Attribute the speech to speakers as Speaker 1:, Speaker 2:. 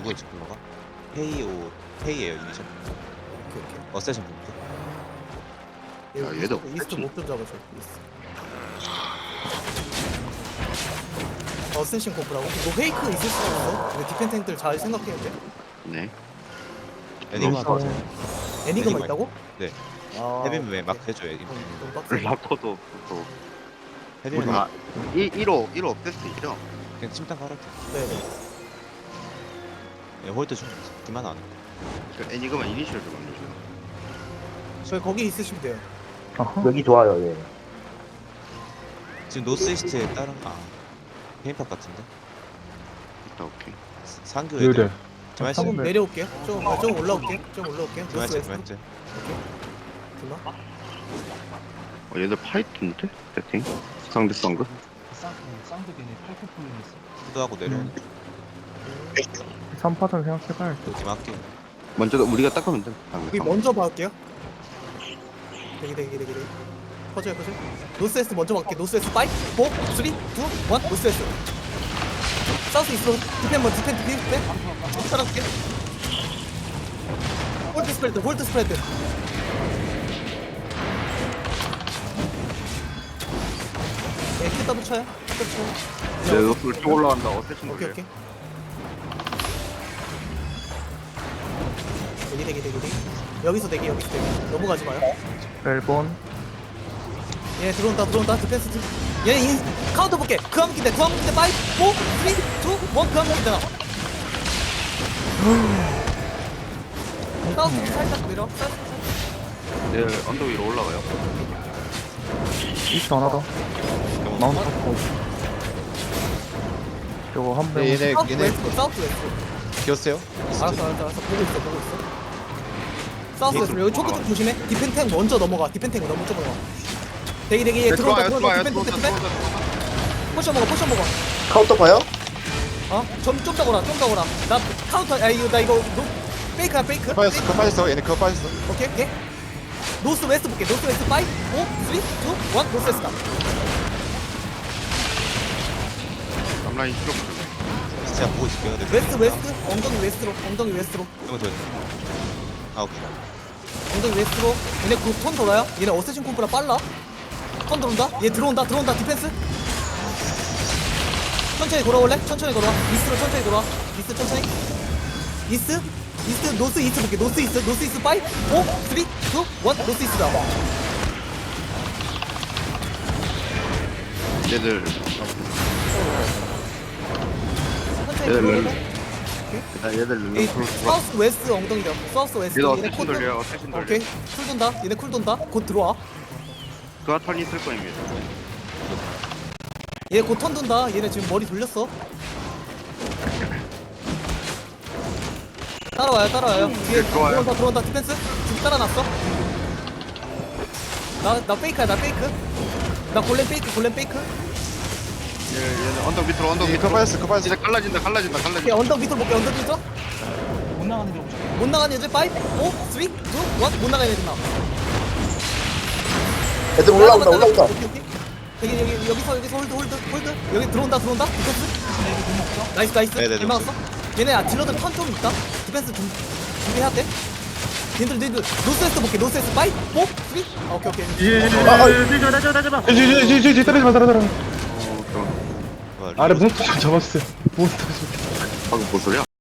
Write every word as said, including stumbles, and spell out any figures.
Speaker 1: 누구였지 컬러가? 페이오 페이에요 이니셜.
Speaker 2: 오케이 오케이.
Speaker 1: 어세션 분부터.
Speaker 2: 얘
Speaker 3: 야, 얘도
Speaker 2: 이스트, 이스트
Speaker 3: 패치.
Speaker 2: 목좀 잡아줘. 이스트. 어센신 코프라고? 너 페이크 있을 수도 있어. 근데 디펜탱들 잘 생각해야 돼.
Speaker 3: 네.
Speaker 1: 애니마
Speaker 4: 어.
Speaker 1: 맞아요.
Speaker 2: 애니그마
Speaker 1: 애니그마
Speaker 2: 있다고?
Speaker 1: 네.
Speaker 2: 아,
Speaker 1: 헤비맨 왜
Speaker 2: 오케이.
Speaker 1: 막 해줘요 애니마.
Speaker 2: 좀, 좀 빡세.
Speaker 3: 라커도 또
Speaker 1: 헤비맨
Speaker 3: 우리
Speaker 1: 막
Speaker 3: 아 일호 일호 업데이트죠?
Speaker 1: 그냥 침탕 깔았대.
Speaker 2: 네네.
Speaker 1: 예, 홀드 중. 그만 안. 해.
Speaker 3: 그 애니그마 이니셜 좀 알려줘요.
Speaker 2: 저희 거기 있으시면 돼요.
Speaker 4: 어허.
Speaker 5: 여기 좋아요, 예.
Speaker 1: 지금 노스 이스트에 다른 아 페인팝 같은데.
Speaker 3: 이따 오케이.
Speaker 1: 상교
Speaker 4: 그래.
Speaker 1: 애들. 좀 할수
Speaker 2: 조금
Speaker 1: 있는.
Speaker 2: 내려올게요. 좀, 아, 좀 올라올게요. 좀 올라올게요.
Speaker 1: 좀 할수
Speaker 2: 노스
Speaker 1: 있는.
Speaker 2: 웨스트.
Speaker 1: 좀
Speaker 2: 그나?
Speaker 3: 어 얘들 파이트인데? 세팅? 상대 썬그?
Speaker 6: 쌍, 쌍도 걔네 팔코 풀리겠어.
Speaker 1: 후드하고 내려오는.
Speaker 4: 삼 파전 생각해봐야지.
Speaker 1: 팀 할게.
Speaker 3: 먼저 우리가 닦으면 돼. 상대
Speaker 2: 여기
Speaker 3: 썬그.
Speaker 2: 먼저 봐올게요. 대기 대기 대기 대기. 퍼져요 퍼져. 노스웨스트 먼저 볼게. 노스웨스트 오, 사, 삼, 이, 일. 노스웨스트. 사우스 이스트로 디펜 먼저 디펜 디펜 디펜. 따라갈게. 홀드 스프레드 홀드 스프레드. 네, 키 더블 쳐요. 더블 쳐요.
Speaker 3: 네, 노스 쭉 올라간다. 어세션
Speaker 2: 오케이
Speaker 3: 돌려.
Speaker 2: 오케이. 대기 대기 대기 대기. 여기서 대기 여기서 대기. 넘어가지 마요.
Speaker 4: 일본.
Speaker 2: 얘 들어온다 들어온다 디펜스 팀. 얘 인, 카운터 볼게. 그 한번 기대 그 한번 기대 오, 사, 삼, 이, 일. 그 한번 기대 나. 사우스 살짝 밀어. 사우스 살짝.
Speaker 3: 네, 언덕 위로 올라가요.
Speaker 4: 이스 하나 더. 마운트 탑고. 저거 한 명.
Speaker 1: 얘네
Speaker 2: 사우스
Speaker 1: 얘네
Speaker 2: 웨스트 사우스 웨스트.
Speaker 1: 기었어요?
Speaker 2: 알았어 알았어 알았어 보고 있어 보고 있어. 사우스 웨스트 여기 초크 좀 조심해. 디펜탱 먼저 넘어가. 디펜탱 너무 좀 넘어가. 대기 대기 얘
Speaker 3: 네,
Speaker 2: 들어온다
Speaker 3: 들어와요,
Speaker 2: 들어온다
Speaker 3: 들어와요,
Speaker 2: 디펜
Speaker 3: 들어온다,
Speaker 2: 디펜.
Speaker 3: 들어온다.
Speaker 2: 포션 먹어 포션 먹어.
Speaker 5: 카운터 봐요?
Speaker 2: 어? 좀좀 더거라 좀 더거라. 나 카운터 아 이거 나 이거 노, 페이크야 페이크.
Speaker 1: 빠졌어. 그거 빠졌어. 얘네 그거 빠졌어.
Speaker 2: 오케이 오케이. 노스 웨스트 볼게. 노스 웨스트 오, 사, 삼, 이, 일. 노스 웨스트 가.
Speaker 3: 앞라인 실업.
Speaker 1: 진짜 보고 있을게요. 네.
Speaker 2: 웨스트 웨스트 엉덩이 웨스트로 엉덩이 웨스트로
Speaker 1: 이거 더. 아 오케이.
Speaker 2: 엉덩이 웨스트로. 얘네 그톤 돌아요. 얘네 어쌔신 콤프라 빨라. 턴 들어온다. 얘 들어온다 들어온다 디펜스. 천천히 걸어올래? 천천히 걸어와. 이스트로 천천히 걸어와. 이스트 천천히. 이스트 이스트 노스 이스트 볼게. 노스 이스트 노스 이스트 오, 사, 삼, 이, 일. 노스 이스트다.
Speaker 3: 얘들
Speaker 2: 천천히
Speaker 3: 얘들
Speaker 2: 걸어올래?
Speaker 3: 렐. 아, 얘들
Speaker 2: 이
Speaker 3: 렐 프로 들어와.
Speaker 2: 사우스 웨스트 엉덩이다. 사우스 웨스트.
Speaker 3: 얘들
Speaker 2: 얘네
Speaker 3: 어세션
Speaker 2: 콘
Speaker 3: 돌려요. 어세션 돌려.
Speaker 2: 오케이 쿨 돈다. 얘네 쿨 돈다. 곧 들어와.
Speaker 3: 그가 턴이 있을 거입니다.
Speaker 2: 얘 곧 턴 돈다. 얘네 지금 머리 돌렸어. 따라와요, 따라와요. 뒤에
Speaker 3: 네, 좋아요.
Speaker 2: 들어온다, 들어온다. 디펜스. 지금 따라놨어. 나, 나 페이크야, 나 페이크. 나 골렘 페이크, 골렘 페이크.
Speaker 3: 얘 얘들 언덕 밑으로 언덕
Speaker 1: 예,
Speaker 3: 밑으로.
Speaker 1: 그거 빠졌어. 그거 빠졌어.
Speaker 3: 이제 갈라진다. 갈라진다.
Speaker 2: 오케이,
Speaker 3: 갈라진다.
Speaker 2: 언덕 밑으로 볼게, 언덕 밑으로.
Speaker 6: 못 나가는 게 없죠.
Speaker 2: 못 나가는 애들 오, 사, 삼, 이, 일. 못 나가는 애들 나.
Speaker 5: 애들 올라온다, 올라온다.
Speaker 2: 오케이, 오케이. 여기, 여기, 여기서, 여기서 홀드, 홀드, 홀드. 여기 들어온다, 들어온다. 디펜스. 나이스, 나이스.
Speaker 1: 네네,
Speaker 2: 잘 막았어. 얘네 아, 딜러들 턴 좀 있다. 디펜스 좀 준비해야 돼. 얘들, 얘들, 노스웨스트 볼게, 노스웨스트 오, 사, 삼, 이. 아, 오케이, 오케이.
Speaker 4: 예예예예. 나줘 나줘 나. 지지지지 떨어지 마 떨어지 마.
Speaker 3: 어, 그럼.
Speaker 1: 와,
Speaker 4: 아래 몬스터 좀 잡았어요. 몬스터 좀.
Speaker 3: 방금 뭔 소리야?